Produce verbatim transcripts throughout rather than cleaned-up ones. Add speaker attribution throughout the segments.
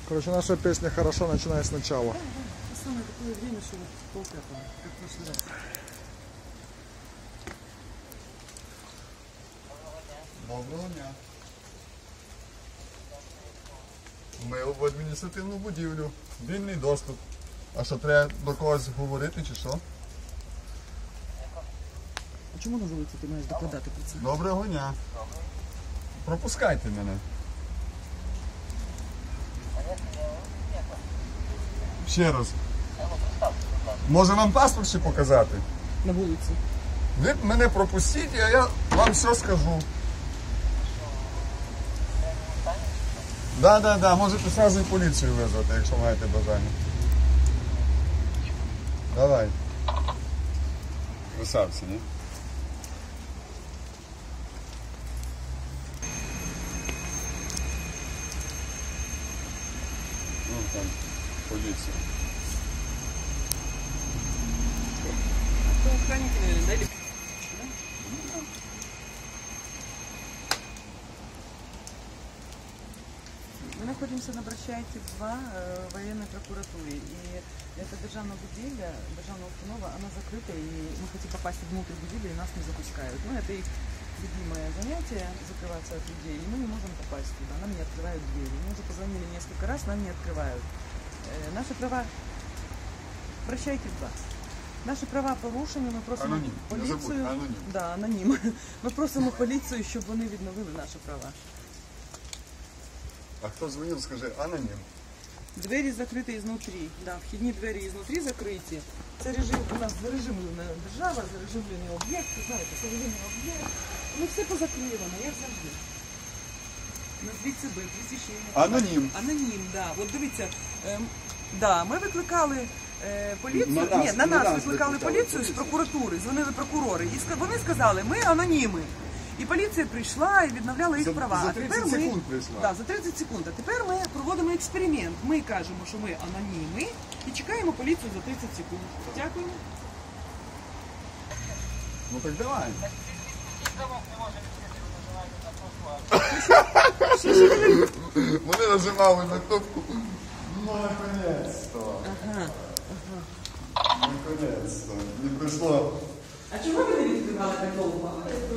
Speaker 1: Короче, наша песня «Хорошо» начиная сначала.
Speaker 2: Да, да. Самое такое время, что вот полпятого, как в прошлый раз.
Speaker 3: Доброго дня. Ми в адміністративну будівлю. Вільний доступ. А що, треба до когось говорити чи що?
Speaker 2: А чому на вулиці ти маєш докладати про це?
Speaker 3: Доброго дня. Пропускайте мене. Ще раз. Може вам паспорт ще показати?
Speaker 2: На вулиці.
Speaker 3: Ви мене пропустіть, а я вам все скажу. Так, так, так, можете одразу і поліцію визвати, якщо маєте бажання. Давай. Красавці, ні? Ну там, поліція.
Speaker 2: Это охранники, наверное, да? Или... Мы находимся на Бращайте два в военной прокуратуре. И эта державная будилья, державная установа, она закрыта, и мы хотим попасть внутрь будильи, и нас не запускают. Ну, это их любимое занятие, закрываться от людей, и мы не можем попасть туда, нам не открывают двери. Мы уже позвонили несколько раз, нам не открывают. Э, наши права... Бращайте два. Наші права порушені, ми просимо
Speaker 3: Анонім.
Speaker 2: поліцію.
Speaker 3: Анонім.
Speaker 2: Да, анонім. Ми просимо поліцію, щоб вони відновили наші права.
Speaker 3: А хто дзвонив, скажи, анонім.
Speaker 2: Двері закриті ізнутрі. Да, вхідні двері ізнутрі закриті. Це режим, у нас зарежимлена держава, зарежимлений об'єкт, знаєте, зарежимлений об'єкт. Ну все позакривано, як завжди. Назвіть себе, прізвище.
Speaker 3: Анонім.
Speaker 2: Анонім, да. От дивіться, ем, да, ми викликали е, поліцію,
Speaker 3: На нас,
Speaker 2: ні, на
Speaker 3: на
Speaker 2: нас
Speaker 3: нас
Speaker 2: викликали
Speaker 3: викликали
Speaker 2: поліцію з прокуратури, дзвонили прокурори. І ска- вони сказали, ми аноніми. І поліція прийшла і відновляла їх
Speaker 3: За-
Speaker 2: права.
Speaker 3: за
Speaker 2: А тепер
Speaker 3: тридцять
Speaker 2: ми,
Speaker 3: секунд прийшла.
Speaker 2: Да, за тридцять секунд. А тепер ми проводимо експеримент. Ми кажемо, що ми аноніми і чекаємо поліцію за тридцять секунд. Дякуємо.
Speaker 3: Ну так давай. Вони нажимали на кнопку. Ну, наконец-то.
Speaker 2: Ага.
Speaker 3: Наконец-то. Не прийшло.
Speaker 2: А чому ви не відкривали так довго?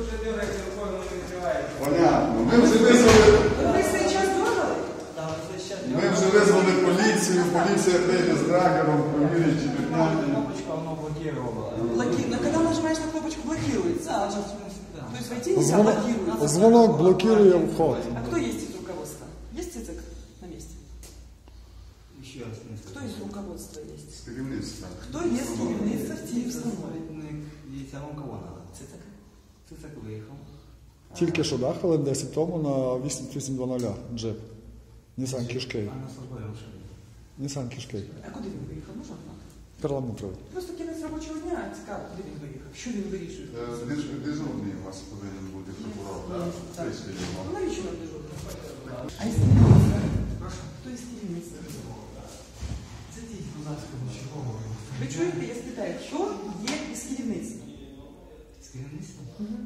Speaker 3: Понятно. Ми вже визвали,
Speaker 2: Ви цей час дергали?
Speaker 3: ми вже визвали поліцію. Поліція прийде з драгером, провірить, чи підняти.
Speaker 4: Кнопочка, оно блокировало.
Speaker 2: Блоки... Но когда нажимаешь на кнопочку, блокируется.
Speaker 4: Да, она, в смысле, да.
Speaker 2: То есть войти нельзя,
Speaker 1: Звонок,
Speaker 2: блокируется.
Speaker 1: звонок блокирує вход.
Speaker 2: А кто есть из руководства? Есть ЦИЦК на месте?
Speaker 4: Еще раз.
Speaker 2: Кто из руководства есть?
Speaker 3: З керівництва.
Speaker 2: Кто есть керівництво в тій установі?
Speaker 4: Видите, а вам кого надо?
Speaker 2: ЦИЦК.
Speaker 4: Цицак выехал.
Speaker 1: Тільки що, да, хвилин десять тому на вісім вісім двадцять джип. Нісан Кішкей.
Speaker 4: А на службовой машине.
Speaker 1: Нісан Кішкей.
Speaker 2: А куди він виїхав? Можна знати?
Speaker 1: Перламутровий.
Speaker 2: Просто кінець робочого дня, цікаво, куди він виїхав? Що він вирішує?
Speaker 3: Е, Дежурний у вас повинен бути прокурор, так?
Speaker 2: Так.
Speaker 3: Вийшли його.
Speaker 2: Ну, навіщо нам дежурний? А із керівництва? Хто із керівництва?
Speaker 4: Садитесь, будь ласка, нічого.
Speaker 2: Ви чуєте, я спитаю, хто є із керівництва?
Speaker 4: З керівництвом?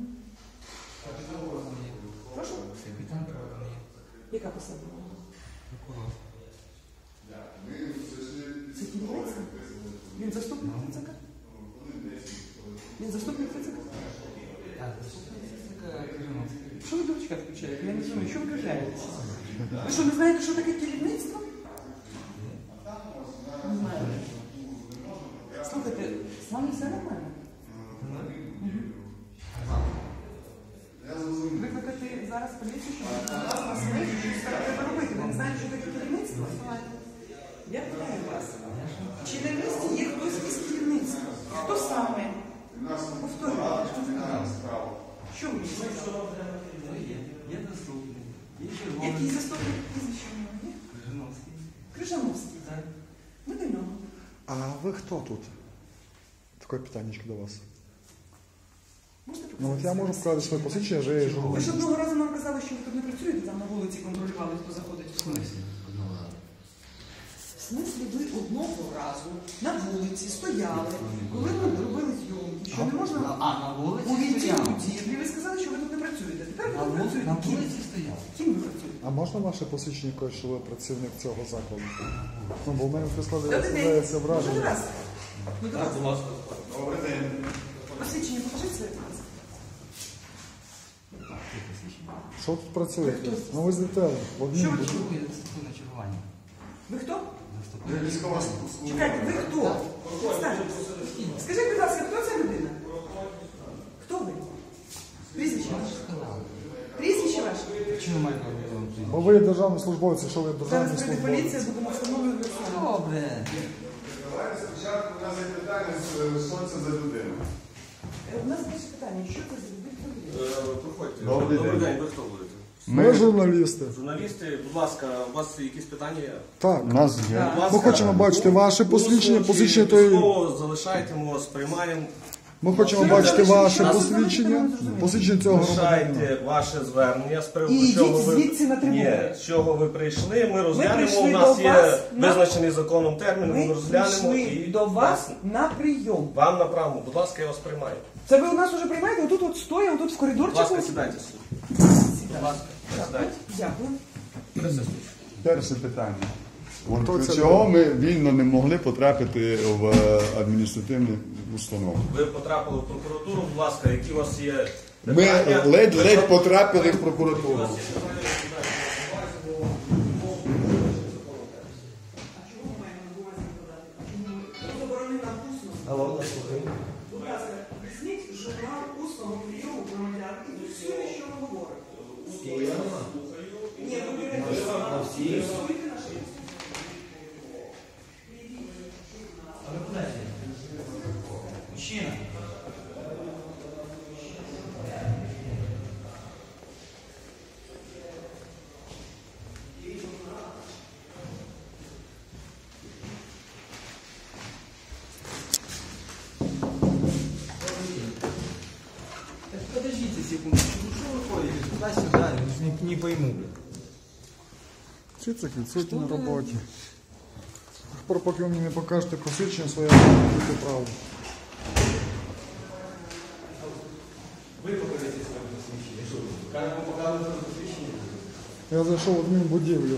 Speaker 2: Прошу?
Speaker 4: Капітан прокурор.
Speaker 2: Яка посада?
Speaker 4: Прокурор.
Speaker 2: Це керівництво? Він заступник ЦЦК? Він заступник ЦЦК?
Speaker 4: Так, заступник Кириловський.
Speaker 2: Що ви дурачка включаєте? Я не розумію, що ви кажаєтеся? Ви що, не знаєте, що таке керівництво? Не знаю. Слухайте, з вами все нормально? Викликати зараз поліцію, щоб вас вас вийшли, що це треба робити. Ви не знаєте, що таке керівництво? Я питаю вас. Чи на місці є хтось із керівництва? Хто саме? Повторюйте. Що ви
Speaker 4: Є, є заступник. Є
Speaker 2: Який
Speaker 4: червоний.
Speaker 2: заступник прізвище у нього є?
Speaker 4: Крижановський.
Speaker 2: Крижановський.
Speaker 4: Так.
Speaker 2: Ми до нього.
Speaker 1: А ви хто тут? Таке питаннячко до вас.
Speaker 2: Можете
Speaker 1: Ну от я можу
Speaker 2: показати?
Speaker 1: показати своє посвідчення, що я є
Speaker 2: Ви ж
Speaker 1: журналіст.
Speaker 2: одного разу нам казали, що ви тут не працюєте, там на вулиці контролювали, хто заходить в смислі. В смислі ви одного разу на вулиці стояли, коли ми робили зйомки, що не можна
Speaker 4: А, на вулиці
Speaker 2: увійти в
Speaker 4: стояли.
Speaker 2: будівлі, ви сказали, що ви тут не працюєте. Тепер
Speaker 4: На
Speaker 2: ви
Speaker 4: вулиці, на
Speaker 2: працюєте.
Speaker 4: вулиці стояв.
Speaker 2: Ким ви працюєте?
Speaker 1: А можна ваше посвідчення якось, що ви працівник цього закладу? Ну, бо в мене
Speaker 2: Добрий
Speaker 1: складається
Speaker 2: день.
Speaker 1: складається враження.
Speaker 2: Раз. Ну, до вас.
Speaker 4: Будь ласка.
Speaker 3: Добрий день.
Speaker 2: Посвідчення покажіть своє, будь ласка.
Speaker 1: Що тут працюєте? Ну ви злітали в одній
Speaker 2: Що ви
Speaker 1: будівлі.
Speaker 4: Чергую, заступив на чергування.
Speaker 2: Ви хто?
Speaker 3: Я військова служба.
Speaker 2: Чекайте, ви хто? Представтесь. Скажіть, будь ласка, хто ця людина? Хто ви? Прізвище ваше? Прізвище ваше?
Speaker 4: Чому маєте вам
Speaker 1: Бо ви є державні службовці, що ви
Speaker 2: Зараз
Speaker 1: державні
Speaker 2: прийде
Speaker 1: службовці.
Speaker 2: поліція, будемо встановлювати особу.
Speaker 4: Добре.
Speaker 3: Давайте спочатку у нас є питання, що це за людина.
Speaker 2: Е, У нас перше питання, що це за людина?
Speaker 5: Проходьте.
Speaker 3: Добрий
Speaker 5: Добрий
Speaker 3: день.
Speaker 5: день, ви хто будете?
Speaker 1: Ми журналісти.
Speaker 5: Журналісти, будь ласка, у вас якісь питання є?
Speaker 1: Так.
Speaker 3: У нас є.
Speaker 2: Так.
Speaker 5: Будь ласка,
Speaker 1: Ми хочемо бачити ваше посвідчення,
Speaker 5: усно чи
Speaker 1: посвідчення тої.
Speaker 5: письмово залишайте, ми вас приймаємо.
Speaker 1: Ми хочемо
Speaker 2: Що
Speaker 1: бачити
Speaker 2: ви
Speaker 1: ваше
Speaker 2: залишите?
Speaker 1: посвідчення,
Speaker 2: Нас зрозуміло.
Speaker 1: посвідчення цього громадянина.
Speaker 5: Залишайте ваше звернення з приводу
Speaker 2: І
Speaker 5: чого
Speaker 2: йдіть
Speaker 5: ви
Speaker 2: звідси на трибуну.
Speaker 5: Ні, з чого ви прийшли. Ми розглянемо.
Speaker 2: прийшли
Speaker 5: У нас
Speaker 2: до
Speaker 5: є
Speaker 2: вас на-
Speaker 5: визначений законом термін. Ми
Speaker 2: Ми
Speaker 5: розглянемо
Speaker 2: прийшли
Speaker 5: і
Speaker 2: до вас на прийом.
Speaker 5: вам направимо. Будь ласка, я вас приймаю.
Speaker 2: Це ви у нас вже приймаєте? Отут от стоя, отут в
Speaker 5: Будь
Speaker 2: коридорчику?
Speaker 5: ласка, сідайте сюди. Будь ласка, сідайте.
Speaker 2: Дякую.
Speaker 5: Присутствуйте.
Speaker 3: Перше питання. От
Speaker 1: Хто це
Speaker 3: чого ми вільно не могли потрапити в е, адміністративну установу?
Speaker 5: Ви потрапили в прокуратуру, будь ласка, які у вас є
Speaker 3: Ми
Speaker 5: питання?
Speaker 3: ледь-ледь потрапили в
Speaker 5: Які у
Speaker 3: прокуратуру.
Speaker 5: вас є питання?
Speaker 2: Будь ласка, візьміть журнал усного прийому громадян і фіксуйте, що ми говоримо. Ні, ви берете фіксуйте наше.
Speaker 4: Мужчина. Так подождите секундочку, ну что вы ходите туда-сюда, не, не пойму.
Speaker 1: Всі це відсутні на роботі. Тепер, поки ви мені не покажете посвідчення своє, я не буду право.
Speaker 4: Вы покажите свое посвящение. Что, каждому показывают свое посвящение?
Speaker 1: Я зайшов в одну будівлю.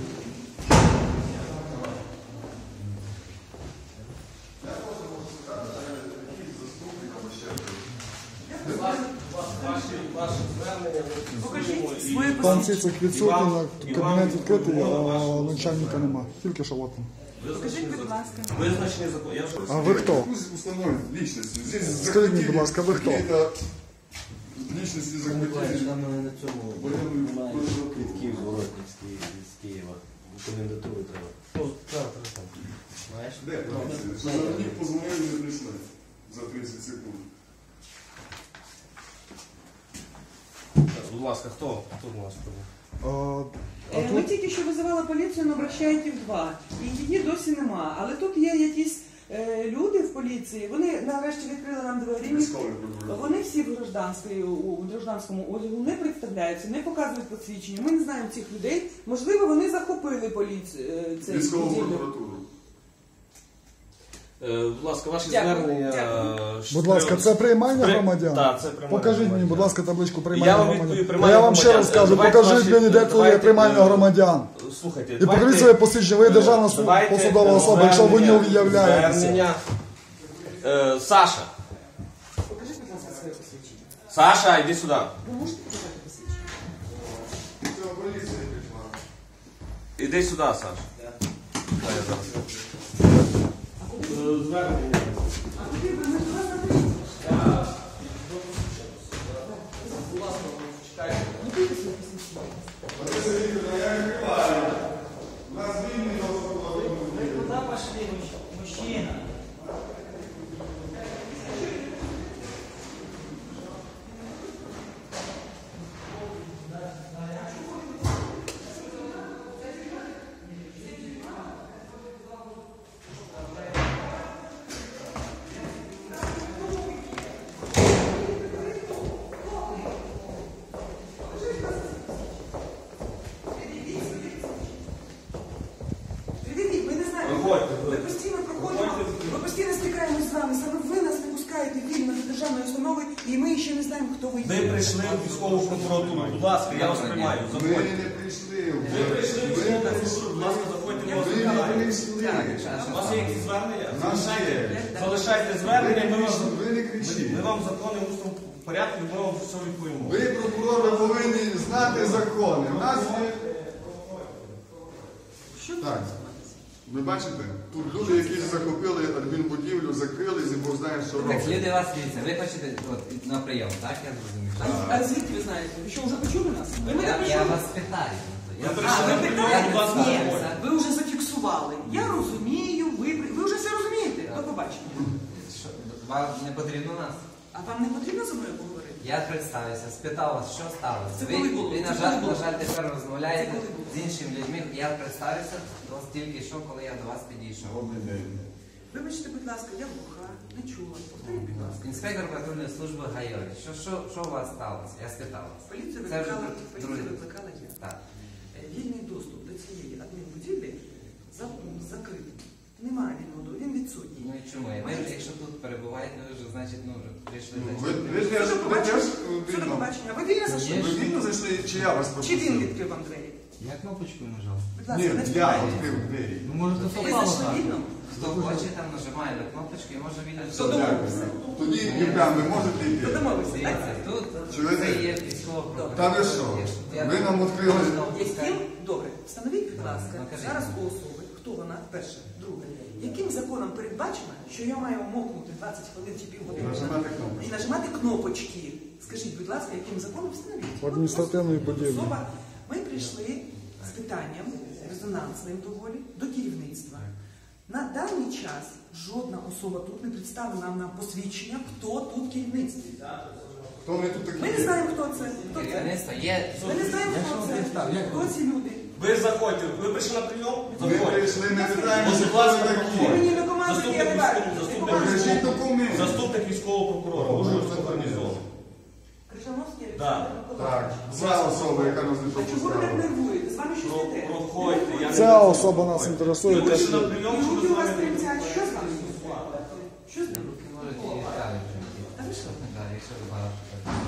Speaker 5: Ваше звернення, ми
Speaker 2: Покажіть
Speaker 5: фіксуємо і-
Speaker 2: своє
Speaker 1: Там всі
Speaker 2: посвідчення.
Speaker 1: цих відсутні,
Speaker 5: І вам-
Speaker 1: на
Speaker 5: і
Speaker 1: кабінет
Speaker 5: вам
Speaker 1: відкритий, а
Speaker 5: відповідно
Speaker 1: начальника нема. Тільки що от.
Speaker 2: Скажіть, будь ласка.
Speaker 5: Визначений закон. Я вже
Speaker 1: А ви хто?
Speaker 3: Установи личности. Здесь
Speaker 1: Скажіть мені, будь ласка, ви хто?
Speaker 3: какие-то личности захватили.
Speaker 6: Там на цьому
Speaker 3: Воєнний
Speaker 6: немає
Speaker 3: прокурор.
Speaker 6: квитків зворотних з Ки- з Києва. У комендатуру треба.
Speaker 5: Ну, так, так, так.
Speaker 6: Знаєш?
Speaker 3: Де поліція? Що на них позвонили і не прийшли за тридцять секунд.
Speaker 5: Так, будь ласка, хто? Хто у нас прибув?
Speaker 1: А, а
Speaker 2: Е, Ми
Speaker 1: тут
Speaker 2: тільки що визивали поліцію, але обращаєте в два. І її досі нема. Але тут є якісь е, люди в поліції, вони нарешті відкрили нам двері. Ні-
Speaker 3: Військовий прокурор.
Speaker 2: Вони всі в гражданській, у гражданському одягу не представляються, не показують посвідчення. Ми не знаємо цих людей. Можливо, вони захопили поліцію. е, цей
Speaker 3: Військову
Speaker 2: будівлю.
Speaker 3: прокуратуру.
Speaker 5: Е, Будь ласка, ваші
Speaker 2: Дякую,
Speaker 5: звернення.
Speaker 2: дякую.
Speaker 5: е,
Speaker 1: будь ласка, це приймання
Speaker 5: При-
Speaker 1: громадян?
Speaker 5: Так, це приймання
Speaker 1: Покажіть мені,
Speaker 5: громадян.
Speaker 1: будь ласка, табличку
Speaker 5: Я
Speaker 1: приймання
Speaker 5: вам
Speaker 1: громадян.
Speaker 5: відповім,
Speaker 1: Бо
Speaker 5: приймання
Speaker 1: я вам ще раз
Speaker 5: громадян.
Speaker 1: кажу,
Speaker 5: Давайте
Speaker 1: покажіть
Speaker 5: ваші-
Speaker 1: мені, де це є
Speaker 5: давайте,
Speaker 1: приймання
Speaker 5: е,
Speaker 1: громадян.
Speaker 5: Слухайте,
Speaker 1: І покажіть своє посвідчення, ви є державна су-
Speaker 5: давайте
Speaker 1: посадова особа, якщо ви не
Speaker 5: звернення-
Speaker 1: уявляєтеся.
Speaker 5: звернення. Е, Саша,
Speaker 2: Покажіть, будь ласка, своє посвідчення.
Speaker 5: Саша, йди сюди.
Speaker 2: Ви можете показати посвідчення?
Speaker 3: Це поліція прийшла.
Speaker 5: Іди сюди, Саша. Дай я зараз. Е, Звернення.
Speaker 2: А куди ви? Ми до вас запишемо. Готуйте своє посвідчення.
Speaker 4: Вы куда пошли, мужч- мужчина?
Speaker 2: і ми ще не знаємо, хто ви
Speaker 5: Ви
Speaker 2: є.
Speaker 5: прийшли в військову прокуратуру. Будь ласка, я вас приймаю.
Speaker 3: Ми
Speaker 5: Заходьте.
Speaker 3: не прийшли.
Speaker 5: Ви прийшли в військову прокуратуру. Будь ласка, заходьте, ми вас
Speaker 3: Ви не
Speaker 5: приймаємо.
Speaker 3: прийшли.
Speaker 5: У вас є якісь звернення?
Speaker 3: У нас
Speaker 5: Залишайте,
Speaker 3: є.
Speaker 5: залишайте
Speaker 3: Ви
Speaker 5: звернення,
Speaker 3: не
Speaker 5: ми вам,
Speaker 3: кричіть, ви не кричіть.
Speaker 5: ми вам закони в усному порядку, ми вам все відповімо.
Speaker 3: Ви, прокурори, повинні знати закони. У нас є...
Speaker 2: Що
Speaker 3: Так. Ви бачите? Тут люди, які захопили адмінбудівлю, закрились і Бог знає, що
Speaker 6: Так,
Speaker 3: роблять.
Speaker 6: люди вас дивіться, ви хочете от, на прийом, так? Я зрозумів.
Speaker 2: А, а звідки ви знаєте? Ви що, вже почули нас? Ви мене
Speaker 6: Я, я
Speaker 2: почули?
Speaker 6: вас питаю. Я,
Speaker 5: Ви
Speaker 2: А,
Speaker 5: прийшли,
Speaker 2: ви питаєте?
Speaker 5: будь ласка,
Speaker 2: Ні,
Speaker 5: заходьте.
Speaker 2: ви вже зафіксували. Я розумію, ви, ви вже все розумієте. До побачення.
Speaker 6: Що, вам не потрібно нас?
Speaker 2: А вам не потрібно зі мною поговорити?
Speaker 6: Я представився, спитав вас, що сталося.
Speaker 2: Це
Speaker 6: Ви,
Speaker 2: коли було?
Speaker 6: ви, на
Speaker 2: Це
Speaker 6: жаль,
Speaker 2: коли було?
Speaker 6: на жаль, тепер розмовляєте
Speaker 2: Це коли було?
Speaker 6: з іншими людьми. Я представився до вас тільки що, коли я до вас підійшов.
Speaker 3: Добрий день.
Speaker 2: Вибачте, будь ласка, я глуха, не чула. Повторіть, будь ласка.
Speaker 6: Інспектор патрульної служби Гайові. Що, що, що у вас сталося? Я спитав вас.
Speaker 2: Поліцію
Speaker 6: Це вже
Speaker 2: викликала,
Speaker 6: друг-
Speaker 2: поліцію
Speaker 6: другий.
Speaker 2: викликала я.
Speaker 6: Так.
Speaker 2: Е, Вільний доступ до цієї адмінбудівлі за- закритий. Немає вільного доступу, він відсутній.
Speaker 6: Ну і чому? Ви вже, якщо тут перебуваєте, ви вже, значить, ну, вже прийшли
Speaker 3: Ну,
Speaker 6: до
Speaker 3: Ви,
Speaker 6: цього.
Speaker 3: ви, теж-
Speaker 2: Що до
Speaker 3: ви
Speaker 2: побачення?
Speaker 3: теж
Speaker 2: Що до
Speaker 3: вільно?
Speaker 2: побачення? Ви вільно зайшли?
Speaker 3: Ви вільно зайшли, чи я вас
Speaker 2: Чи
Speaker 3: пропустив?
Speaker 2: він відкрив вам двері?
Speaker 4: Я кнопочкою нажав.
Speaker 2: Будь
Speaker 3: Ні,
Speaker 2: ласка, не
Speaker 3: я
Speaker 2: співайте.
Speaker 3: відкрив двері.
Speaker 4: Ну, може, то
Speaker 2: Ви
Speaker 4: совпало
Speaker 2: зайшли
Speaker 4: так.
Speaker 2: вільно?
Speaker 6: Хто хоче, там нажимає на кнопочку і може вільно.
Speaker 2: Хто домовився?
Speaker 3: Тоді, Євген, ви можете йти?
Speaker 2: Хто домовився?
Speaker 6: Дивіться, тут
Speaker 3: Чуєте?
Speaker 6: це є військова прокуратура.
Speaker 3: Та ви що? Ви нам відкрили.
Speaker 2: Яким? Добре, встановіть, будь ласка,
Speaker 6: Ну, кажіть.
Speaker 2: зараз у особи, хто вона, перше, друге. Яким законом передбачено, що я маю мокнути двадцять хвилин чи півгодини
Speaker 3: Нажимати кнопочку.
Speaker 2: і нажимати кнопочки? Скажіть, будь ласка, яким законом встановіть?
Speaker 1: В адміністративній будівлі.
Speaker 2: Особа, ми прийшли з питанням резонансним доволі до керівництва. На даний час жодна особа тут не представила нам на посвідчення, хто тут керівництво.
Speaker 3: Хто вони тут такі?
Speaker 2: Ми не знаємо, хто це. Хто це?
Speaker 6: Керівництво є.
Speaker 2: Ми не знаємо,
Speaker 4: Якщо
Speaker 2: хто
Speaker 4: вам
Speaker 2: це.
Speaker 4: представ, як
Speaker 2: Хто ці люди?
Speaker 5: Ви заходьте. Ви прийшли на прийом?
Speaker 3: Ми
Speaker 5: Заходьте.
Speaker 3: прийшли, не питаємося,
Speaker 5: Будь
Speaker 3: хто
Speaker 5: ласка,
Speaker 3: ви
Speaker 2: Ви
Speaker 3: такі.
Speaker 2: мені не командуєте, я не бачу.
Speaker 5: Заступник
Speaker 2: Не командуєте.
Speaker 3: Покажіть документи.
Speaker 5: Заступник військового прокурора. Ужгородського гарнізону.
Speaker 2: Крижановський
Speaker 5: Да.
Speaker 2: Олександр Миколаївич.
Speaker 3: Так, ця особа, яка нас не
Speaker 2: А чого ви так
Speaker 3: пропускала.
Speaker 2: нервуєте? З вами щось
Speaker 5: Про-
Speaker 2: не те.
Speaker 5: проходьте, я не-
Speaker 1: Ця особа нас інтересує.
Speaker 5: Ви
Speaker 1: те,
Speaker 5: прийшли на
Speaker 1: що-
Speaker 5: прийом,
Speaker 2: І
Speaker 5: чи ви
Speaker 2: руки
Speaker 5: з
Speaker 2: у вас
Speaker 5: вами?
Speaker 2: тремтять. Що з вами? Що з ним?
Speaker 6: Руки можуть і ставити.
Speaker 2: А ви що?
Speaker 6: Так, якщо ви багато.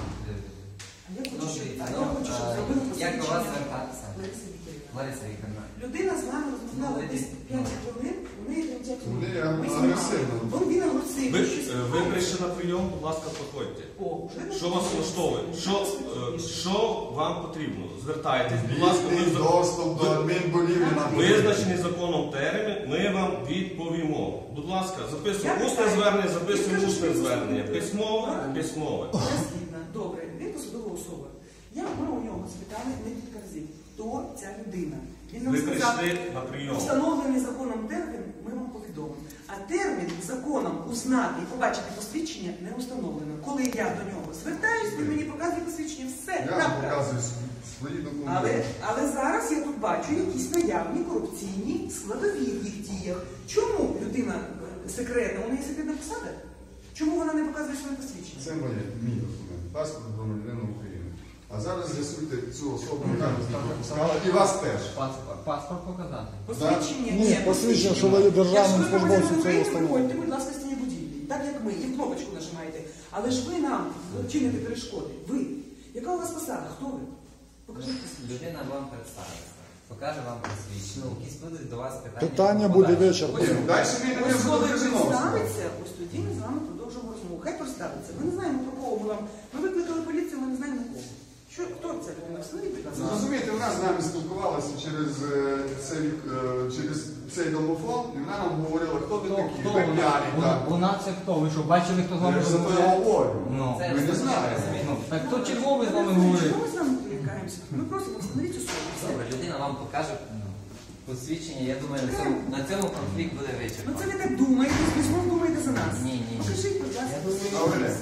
Speaker 2: А я
Speaker 6: Ну,
Speaker 2: хочу, щоб
Speaker 6: дивіться,
Speaker 2: а
Speaker 6: ну,
Speaker 2: я хочу, щоб
Speaker 6: а,
Speaker 2: зробили
Speaker 6: як до вас
Speaker 2: посвідчення.
Speaker 6: звертатися?
Speaker 2: Лариса Вікторівна.
Speaker 6: Лариса Вікторівна.
Speaker 2: Людина з нами розмовляла
Speaker 6: Ну,
Speaker 2: десь п'ять хвилин, у неї тремтять руки.
Speaker 3: Вони
Speaker 2: Ми
Speaker 3: агресивно.
Speaker 2: знімали. Він- Він агресивний.
Speaker 5: Ви,
Speaker 2: щось
Speaker 5: е, ви
Speaker 2: питає.
Speaker 5: прийшли на прийом, будь ласка, проходьте.
Speaker 2: О, вже не
Speaker 5: Що вас влаштовує? Що, е, що вам потрібно? Звертайтесь, будь ласка, ми
Speaker 3: Вільний
Speaker 5: за-
Speaker 3: доступ до адмінбудівлі на
Speaker 5: визначений законом термін, ми вам відповімо. Будь ласка, записуємо усне звернення, записуємо усне звернення. Письмове, письмове.
Speaker 2: Я згідна. Добре, він посадова особа. Я ми у нього спитали декілька разів, хто ця людина. Він нам
Speaker 5: Ви
Speaker 2: сказав,
Speaker 5: прийшли на прийом.
Speaker 2: встановлений законом термін, ми вам повідомимо. А термін законом узнати і побачити посвідчення не установлено. Коли я до нього звертаюсь, він мені показує посвідчення, все,
Speaker 3: Я
Speaker 2: крапка.
Speaker 3: показую свої
Speaker 2: Але,
Speaker 3: документи.
Speaker 2: але зараз я тут бачу якісь наявні корупційні складові в їх діях. Чому людина е, секретна? У неї секретна посада? Чому вона не показує своє посвідчення?
Speaker 3: Це моє, мій документ. Паспорт громадянина України. А зараз з'ясуйте цю особу, яка нас не пропускала, і вас теж.
Speaker 4: Паспорт, паспорт показати.
Speaker 2: Посвідчення?
Speaker 1: Ні, посвідчення, що ви є державним
Speaker 2: Якщо ви
Speaker 1: службовцем
Speaker 2: громадянин
Speaker 1: цієї
Speaker 2: України,
Speaker 1: установи.
Speaker 2: приходьте, будь ласка, з цієї будівлі. Так як ми, і в кнопочку нажимаєте. Але ж ви нам чините перешкоди. Ви. Яка у вас посада? Хто ви? Покажіть посвідчення.
Speaker 6: Людина вам представиться. Покаже вам посвідчення. Якісь будуть до вас питання.
Speaker 1: Питання буде
Speaker 6: подальші.
Speaker 1: вечір.
Speaker 3: Ні, далі ми йдемо
Speaker 2: Ось
Speaker 3: до
Speaker 2: коли
Speaker 3: Крижановського.
Speaker 2: представиться, ось тоді ми з вами продовжимо розмову. Хай представиться. Ми не знаємо, про кого ми вам. Ми викликали поліцію, ми не знаємо на кого. Що, хто ця людина? Встановіть, будь ласка.
Speaker 3: Розумієте, вона з нами спілкувалася через, е, цей, е, через цей домофон, і вона нам говорила, хто ви
Speaker 4: Хто,
Speaker 3: такі,
Speaker 4: хто
Speaker 3: ви
Speaker 4: вона?
Speaker 3: п'яні,
Speaker 4: Вона,
Speaker 3: так.
Speaker 4: вона це хто? Ви що, бачили, хто з вами
Speaker 3: Я ж за те
Speaker 4: розмовляє?
Speaker 3: говорю.
Speaker 4: Ну,
Speaker 6: Це
Speaker 3: Ми не
Speaker 6: все
Speaker 3: знаємо.
Speaker 6: розуміємо.
Speaker 4: ну, так хто черговий з вами говорить?
Speaker 2: Чому ми з вами перелякаємося? Ми просимо встановіть особу. Все.
Speaker 6: Добре, людина вам покаже ну, посвідчення. Я думаю, на цьому, на цьому конфлікт буде
Speaker 2: Ну це
Speaker 6: вичерпаний.
Speaker 2: ви так думаєте, ви знову думаєте за нас.
Speaker 6: Ні, ні, ні.
Speaker 2: Покажіть, будь ласка,
Speaker 3: Добре.
Speaker 2: все.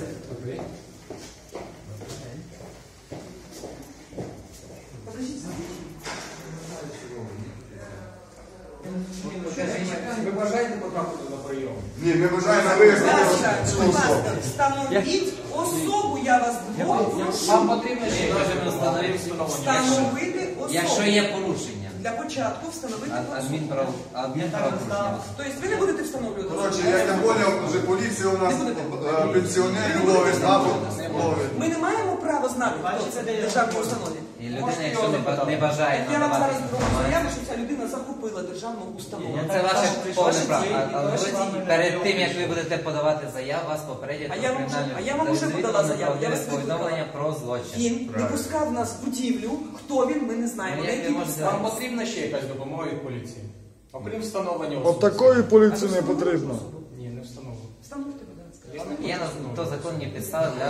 Speaker 2: Покажіть.
Speaker 4: Ви бажаєте потрапити на прийом?
Speaker 3: Ні, ми бажаємо
Speaker 2: Будь
Speaker 3: вияснити
Speaker 2: ласка,
Speaker 3: цю
Speaker 2: будь
Speaker 3: особу.
Speaker 2: ласка, встановіть особу, я вас двох
Speaker 4: Вам
Speaker 2: прошу.
Speaker 4: потрібно
Speaker 6: Ми
Speaker 4: ще
Speaker 6: можемо встановити, якщо,
Speaker 2: Встановити особу.
Speaker 6: якщо є порушення.
Speaker 2: для початку встановити
Speaker 6: Ад-
Speaker 2: особу.
Speaker 6: адмінправ- Адмінправопорушення.
Speaker 2: Тобто ви не будете встановлювати
Speaker 3: Коротше,
Speaker 2: особу?
Speaker 3: я не поняв, вже поліція у нас е, пенсіонерів ловить, або ловить.
Speaker 2: Ми не маємо права знати, хто це в державній установі.
Speaker 6: І людина, якщо не, ба- не бажає
Speaker 2: Я вам
Speaker 6: надавати
Speaker 2: зараз зроблю
Speaker 6: інформацію,
Speaker 2: заяву, що ця людина захопила державну установу.
Speaker 6: це ваше повне право. А- Але
Speaker 2: Ваше
Speaker 6: ви
Speaker 2: право.
Speaker 6: перед тим, як ви будете подавати заяву, вас попередять
Speaker 2: А
Speaker 6: про
Speaker 2: я вам
Speaker 6: кримінальну
Speaker 2: вже- а я вам уже
Speaker 6: відповідальність,
Speaker 2: подала заяву, я вас
Speaker 6: повідомлення
Speaker 2: викликала.
Speaker 6: про злочин.
Speaker 2: Він не
Speaker 3: Правильно.
Speaker 2: пускав нас в будівлю, хто він, ми не знаємо.
Speaker 6: Ну,
Speaker 2: На
Speaker 6: як
Speaker 2: якій
Speaker 6: ви можете-
Speaker 2: підставі.
Speaker 4: Вам потрібна ще якась допомога від поліції? Окрім встановлення
Speaker 1: От
Speaker 4: особи.
Speaker 1: такої поліції
Speaker 2: А
Speaker 1: не
Speaker 2: ви
Speaker 1: потрібно.
Speaker 2: встановили
Speaker 4: Ні, не встановлено.
Speaker 2: Встановити, будь ласка.
Speaker 4: Я не хочу
Speaker 6: Є на
Speaker 4: встановлювати.
Speaker 6: то законні підстави для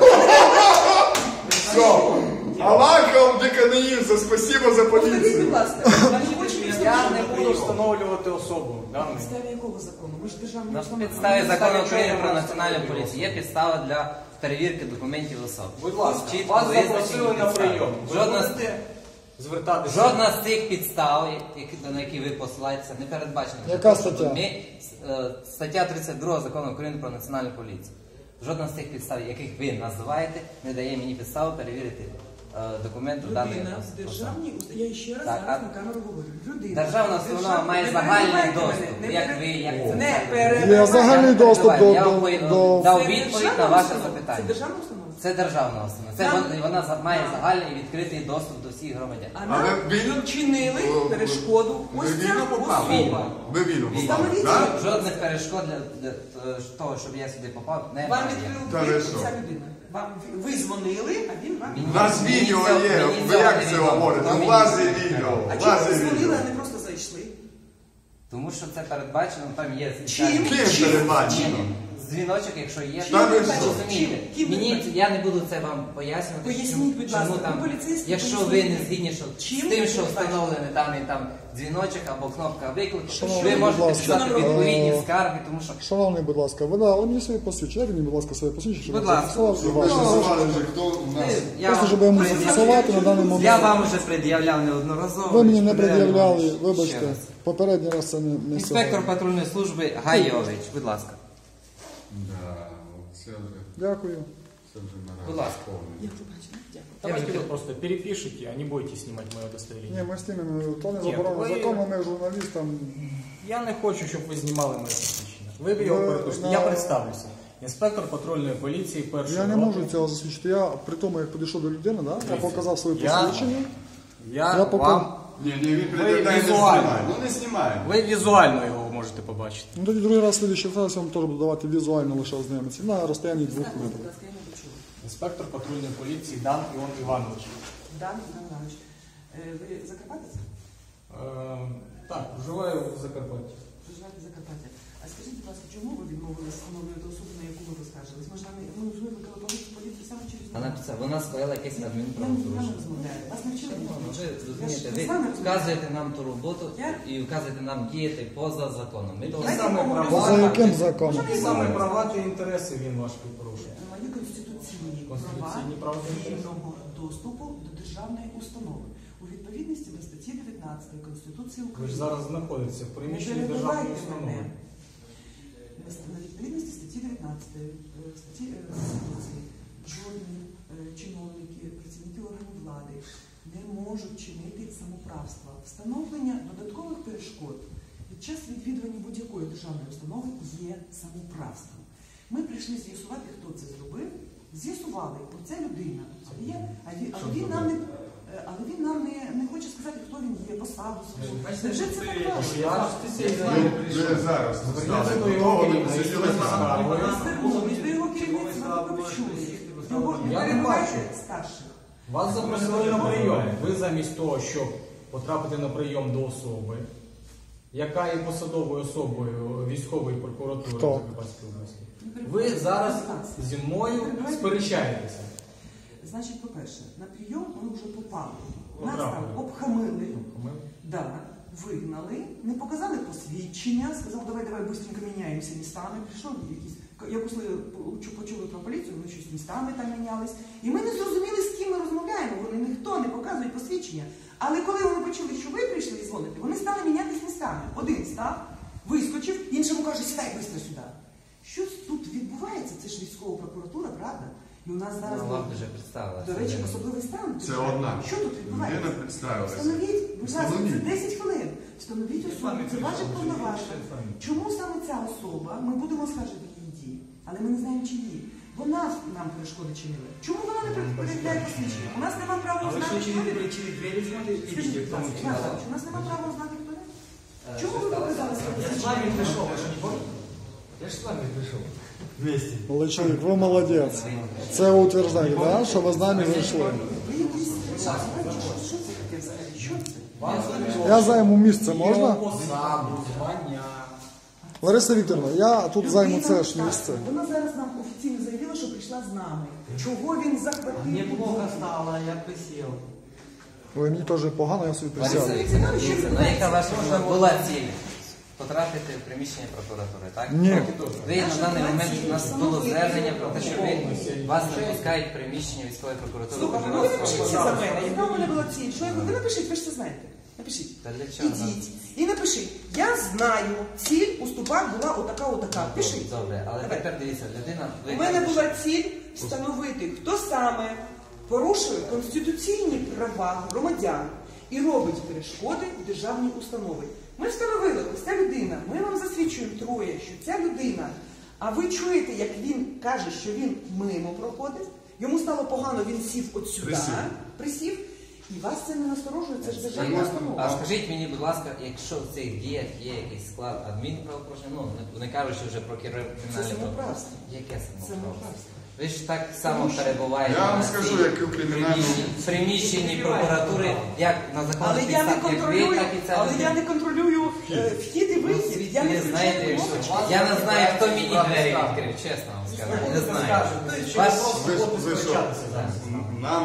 Speaker 3: Все. Аллахом Деканаївza, спасибо за
Speaker 2: Повторіть, будь
Speaker 3: поліцію.
Speaker 2: ласка, ви хочете
Speaker 4: Я не
Speaker 2: встановити?
Speaker 4: буду встановлювати особу
Speaker 2: На
Speaker 4: даної.
Speaker 2: підставі якого закону? Ми ж державні
Speaker 6: на
Speaker 2: установи.
Speaker 6: підставі
Speaker 2: Ми
Speaker 6: закону
Speaker 2: не
Speaker 6: України про
Speaker 4: чого
Speaker 6: національну
Speaker 4: встановлювати
Speaker 6: поліцію. Є підстава для перевірки документів особи.
Speaker 4: Будь ласка,
Speaker 6: Чітко
Speaker 4: вас
Speaker 6: визначені
Speaker 4: запросили на
Speaker 6: підстави.
Speaker 4: прийом. Ви
Speaker 6: Жодна з
Speaker 4: будете звертатися?
Speaker 6: Жодна з цих підстав, які- на які ви посилаєтеся, не передбачена.
Speaker 1: Яка
Speaker 6: Тому що
Speaker 1: стаття?
Speaker 6: Ми, е, стаття тридцять два закону України про національну поліцію. Жодна з цих підстав, яких ви називаєте, не дає мені підстави перевірити е, документи даної
Speaker 2: Людина в
Speaker 6: особи.
Speaker 2: державній установі, я ще раз
Speaker 6: Так,
Speaker 2: зараз
Speaker 6: а-
Speaker 2: на камеру говорю. Людина.
Speaker 6: Державна
Speaker 2: в
Speaker 6: установа
Speaker 2: державній-
Speaker 6: має
Speaker 2: не
Speaker 6: загальний
Speaker 2: перебивайте
Speaker 6: доступ,
Speaker 2: мене, не
Speaker 6: як
Speaker 2: пере-
Speaker 6: ви, як це
Speaker 2: Не
Speaker 6: це.
Speaker 2: перебивайте.
Speaker 1: Є загальний доступ до,
Speaker 6: Я
Speaker 1: до,
Speaker 6: вам по-
Speaker 1: до
Speaker 6: дав
Speaker 2: Це
Speaker 6: відповідь
Speaker 2: державна
Speaker 6: на ваше
Speaker 2: установа?
Speaker 6: запитання.
Speaker 2: Це державна установа?
Speaker 6: Це державна установа. Це
Speaker 2: Нам-
Speaker 6: вон- вона за- має
Speaker 2: нам-
Speaker 6: загальний і відкритий доступ до всіх громадян.
Speaker 2: А
Speaker 3: А
Speaker 2: нам
Speaker 3: ви вільно-
Speaker 2: чинили
Speaker 3: ви-
Speaker 2: перешкоду.
Speaker 3: ви
Speaker 2: Ось ця
Speaker 3: вільно попали?
Speaker 2: особа.
Speaker 3: Ви вільно попали,
Speaker 2: Встановіть
Speaker 3: так?
Speaker 2: її.
Speaker 6: Жодних перешкод для, для того, щоб я сюди попав,
Speaker 2: Вам
Speaker 6: немає.
Speaker 2: відкрив
Speaker 3: Та ви
Speaker 2: двері
Speaker 3: що?
Speaker 2: ця людина. Вам ви дзвонили, а він вам.
Speaker 6: Мені-
Speaker 3: У нас відео
Speaker 6: Мені це-
Speaker 3: є,
Speaker 6: мені
Speaker 3: ви
Speaker 6: це
Speaker 3: як
Speaker 6: не
Speaker 3: це
Speaker 6: відомо.
Speaker 3: говорите?
Speaker 6: Хто
Speaker 3: У
Speaker 6: мені
Speaker 3: вас
Speaker 6: це
Speaker 3: є
Speaker 6: відомо?
Speaker 3: відео,
Speaker 2: А
Speaker 3: у
Speaker 2: чому
Speaker 3: вас
Speaker 2: ви
Speaker 3: є
Speaker 2: дзвонили,
Speaker 3: відео.
Speaker 2: а не просто зайшли?
Speaker 6: Тому що це передбачено, там є
Speaker 2: Чим?
Speaker 3: Ким передбачено?
Speaker 6: дзвіночок, якщо є,
Speaker 3: Та ви
Speaker 6: то
Speaker 3: що?
Speaker 6: розумієте.
Speaker 2: Чим? Ким
Speaker 6: Мені
Speaker 2: передбачено?
Speaker 6: я не буду це вам пояснювати.
Speaker 2: Поясніть,
Speaker 6: чому-
Speaker 2: будь
Speaker 6: чому
Speaker 2: ласка,
Speaker 6: там,
Speaker 2: ви поліцейські,
Speaker 6: якщо ви
Speaker 2: поясніть.
Speaker 6: не згідні, що
Speaker 2: Чим
Speaker 6: з тим, що
Speaker 2: передбачено?
Speaker 6: встановлений даний там дзвіночок або кнопка виклику,
Speaker 1: Шановний,
Speaker 6: ви
Speaker 1: будь
Speaker 6: можете
Speaker 1: ласка,
Speaker 6: писати
Speaker 1: е,
Speaker 6: відповідні скарги, тому що
Speaker 1: Шановний, будь ласка, ви дали мені своє посвідчення, дайте мені, будь ласка, своє посвідчення, щоб
Speaker 6: Будь
Speaker 1: я
Speaker 6: ласка.
Speaker 1: зафіксував і
Speaker 3: Щоб ви
Speaker 1: ваше.
Speaker 3: називали вже, хто у нас.
Speaker 6: я,
Speaker 1: Просто,
Speaker 6: вам
Speaker 1: щоб я мусив
Speaker 6: пред'являв-
Speaker 1: фіксувати на даний момент.
Speaker 6: я вам вже пред'являв неодноразово.
Speaker 1: Ви мені не
Speaker 6: Пред'являв
Speaker 1: пред'являли,
Speaker 6: ще
Speaker 1: вибачте,
Speaker 6: раз.
Speaker 1: попередній раз це не, не
Speaker 6: Інспектор
Speaker 1: сьогодні.
Speaker 6: патрульної служби Гайович, будь ласка.
Speaker 3: Да, це вже,
Speaker 1: Дякую.
Speaker 3: це вже
Speaker 6: Будь
Speaker 3: наразі
Speaker 6: ласка.
Speaker 3: повне.
Speaker 2: Я побачила. Дякую.
Speaker 4: Давайте вы просто перепишите, а не будете снимать мое
Speaker 1: Ні,
Speaker 4: удостоверение.
Speaker 1: ми з тими, то не
Speaker 4: Ні,
Speaker 1: заборонено
Speaker 4: ви-
Speaker 1: законом, ми журналістам.
Speaker 4: Я не хочу, щоб ви знімали моє посвідчення. Ви його
Speaker 1: Ви
Speaker 4: перепишете.
Speaker 1: на-
Speaker 4: Я представлюся. Інспектор патрульної поліції першого
Speaker 1: Я не
Speaker 4: року.
Speaker 1: можу цього засвідчити. Я при тому, як підійшов до людини, да, я показав своє
Speaker 4: Я-
Speaker 1: посвідчення.
Speaker 4: Я,
Speaker 1: Я поки-
Speaker 4: вам...
Speaker 3: Ні, ні, він пред'являє, не
Speaker 4: візуально.
Speaker 3: знімає. Ну не знімає.
Speaker 4: Ви візуально його можете побачити.
Speaker 1: Ну тоді другий раз слідчий раз я вам теж буду давати візуально лише ознайомитися. На розстоянні двох
Speaker 2: Скажіть, будь
Speaker 1: метрів.
Speaker 2: ласка, я не почула.
Speaker 4: Інспектор патрульної поліції Дан Іон Іванович.
Speaker 2: Дан Іван Іванович, е, ви Закарпатець?
Speaker 4: Е, так, проживаю в Закарпатті.
Speaker 2: Проживаєте в Закарпатті. А скажіть, будь ласка, чому ви відмовилися встановлювати особу, на яку ви поскаржились? Ми ж нами, ми ж викликали поліцію, поліцію саме через
Speaker 6: Вона
Speaker 2: нас.
Speaker 6: це вона скоїла якесь
Speaker 2: Я не
Speaker 6: адмінправопорушення.
Speaker 2: розмовляю. Вас не вчили?
Speaker 6: Ну, ви
Speaker 2: Я ж
Speaker 6: розумієте,
Speaker 2: з
Speaker 6: ви
Speaker 2: вами розмовляю.
Speaker 6: вказуєте нам ту роботу
Speaker 2: Я-
Speaker 6: і вказуєте нам діяти поза законом. Ми того
Speaker 2: Давайте
Speaker 4: саме
Speaker 2: поговоримо.
Speaker 4: права.
Speaker 1: За яким законом?
Speaker 4: Які саме права та інтереси він ваш порушує?
Speaker 2: Мої конституційні,
Speaker 4: Конституційні
Speaker 2: права
Speaker 4: права.
Speaker 2: вільного доступу до державної установи у відповідності до статті дев'ятнадцятої Конституції
Speaker 4: Ви ж
Speaker 2: України.
Speaker 4: зараз знаходитеся в
Speaker 2: Не
Speaker 4: приміщенні державної
Speaker 2: перебивайте
Speaker 4: установи.
Speaker 2: мене. На відповідності статті дев'ятнадцятої е, статті е, Конституції жодні е, чиновники, працівники органів влади не можуть чинити самоправства. Встановлення додаткових перешкод під час відвідування будь-якої державної установи є самоправством. Ми прийшли з'ясувати, хто це зробив. З'ясували, оця людина це є, а він, але він нам не е, але він нам не, не хоче сказати, хто він є, посаду свою. Невже це так важко?
Speaker 4: Я
Speaker 3: Ви ви зараз
Speaker 4: Зверніться
Speaker 3: стали
Speaker 4: до
Speaker 3: до
Speaker 4: його
Speaker 3: того, ви
Speaker 4: керівництва
Speaker 3: сиділи
Speaker 4: зі
Speaker 3: там.
Speaker 4: скаргою.
Speaker 2: Звернулись до його керівництва, ви почули. Його не
Speaker 4: Я не
Speaker 2: перебивайте
Speaker 4: бачу.
Speaker 2: старших.
Speaker 4: Вас запросили на прийом. Ви замість того, щоб потрапити на прийом до особи, яка є посадовою особою військової прокуратури
Speaker 1: Хто?
Speaker 4: Закарпатської області, ви зараз зі мною сперечаєтеся.
Speaker 2: Значить, по-перше, на прийом ми вже попали. Нас
Speaker 4: Потрапили.
Speaker 2: там обхамили,
Speaker 4: Ми
Speaker 2: да, вигнали, не показали посвідчення, сказав, давай, давай, быстренько міняємося містами. Прийшов якийсь, як услили, почули про поліцію, вони щось містами там мінялись. І ми не зрозуміли, з ким ми розмовляємо. Вони ніхто не показує посвідчення. Але коли вони почули, що ви прийшли і дзвоните, вони стали мінятись містами. Один став, вискочив, іншому каже, сідай швидко сюди. Щось тут відбувається, це ж військова прокуратура, правда? І у нас зараз,
Speaker 6: Ну, вам вже представила.
Speaker 2: до речі, особливий стан.
Speaker 3: Це одна.
Speaker 2: Що тут відбувається?
Speaker 3: Людина представилася.
Speaker 2: Встановіть, будь ласка, це
Speaker 3: Встановіть.
Speaker 2: десять хвилин. Встановіть особу, це ваші повноваження. Чому саме ця особа, ми будемо скаржити її дії, але ми не знаємо, чиї. Вона нам перешкоди чинила. Чому вона не перевіряє посвідчення? У нас немає права
Speaker 7: А вы
Speaker 2: узнати,
Speaker 7: что,
Speaker 2: хто
Speaker 7: через,
Speaker 2: він.
Speaker 7: через двери смотрите,
Speaker 2: Скажіть,
Speaker 7: видите,
Speaker 2: будь
Speaker 7: кто
Speaker 2: ласка,
Speaker 7: мы?
Speaker 2: Іван Іванович, у нас немає права узнати, хто він.
Speaker 6: Е,
Speaker 2: Чому
Speaker 6: що
Speaker 2: ви
Speaker 6: сталося?
Speaker 2: показали своє
Speaker 7: Я с вами пришел, вы что, не помните? Я же с вами пришел. Вместе.
Speaker 1: Але чоловік, ви молодець. Це ви утверждаєте, да? Що ви з нами вийшли.
Speaker 2: Ви якісь знаєте, що, що це таке взагалі? Що це?
Speaker 1: Я займу місце, можна?
Speaker 4: Посаду, звання.
Speaker 1: Лариса Вікторовна, я тут займу це ж місце.
Speaker 2: Вона зараз нам офіційно заявила, що прийшла з нами. Чого він захватив?
Speaker 7: Мне плохо стало, я присел.
Speaker 1: Ви мені теж погано, я собі
Speaker 6: Лариса
Speaker 1: присяду.
Speaker 6: Вікторівна, дивіться, ну яка ваша була ціль? Потрапити в приміщення прокуратури, так?
Speaker 1: Ні.
Speaker 6: Ви на даний момент у нас було звернення про те, що ви вас не пускають в приміщення військової прокуратури.
Speaker 2: Слухайте, ну ви напишіть це за мене. Яка у мене була ціль? Що я говорю? Ви напишіть, ви ж це знаєте. Напишіть.
Speaker 6: Та для чого нам?
Speaker 2: Ідіть. І напишіть. Я знаю, ціль у ступах була отака, отака. Пишіть.
Speaker 6: Добре, але
Speaker 2: Давай.
Speaker 6: тепер дивіться, людина... ви
Speaker 2: У мене
Speaker 6: кажете,
Speaker 2: була ціль встановити, хто саме порушує конституційні права громадян і робить перешкоди в державній установі. Ми встановили, ось ця людина, ми вам засвідчуємо троє, що ця людина, а ви чуєте, як він каже, що він мимо проходить, йому стало погано, він сів от сюди,
Speaker 3: Присів.
Speaker 2: присів, і вас це не насторожує, це ж державна
Speaker 6: А
Speaker 2: установа.
Speaker 6: скажіть мені, будь ласка, якщо в цих діях є якийсь склад адмінправопорушення, ну не- не кажучи вже про кримінальне
Speaker 2: самоуправство.
Speaker 6: правопорушення. Яке самоуправство?
Speaker 2: Самоуправство.
Speaker 6: Ви ж так само перебуваєте
Speaker 3: Я вам
Speaker 6: на
Speaker 3: скажу,
Speaker 6: цій
Speaker 3: як у кримінальному-
Speaker 6: приміщенні- приміщенні прокуратури, як на
Speaker 2: Але
Speaker 6: законних
Speaker 2: я не
Speaker 6: підставах, як ви,
Speaker 2: контролюю,
Speaker 6: так і ця
Speaker 2: але я
Speaker 6: людина.
Speaker 2: не контролюю е, вхід і вихід. Я не
Speaker 6: Ви знаєте,
Speaker 2: включаю
Speaker 6: якщо
Speaker 2: кнопочки.
Speaker 6: я не знаю, хто мені двері відкрив, чесно вам скажу. Не знаю. Ваш
Speaker 3: Ви, ви що? Нам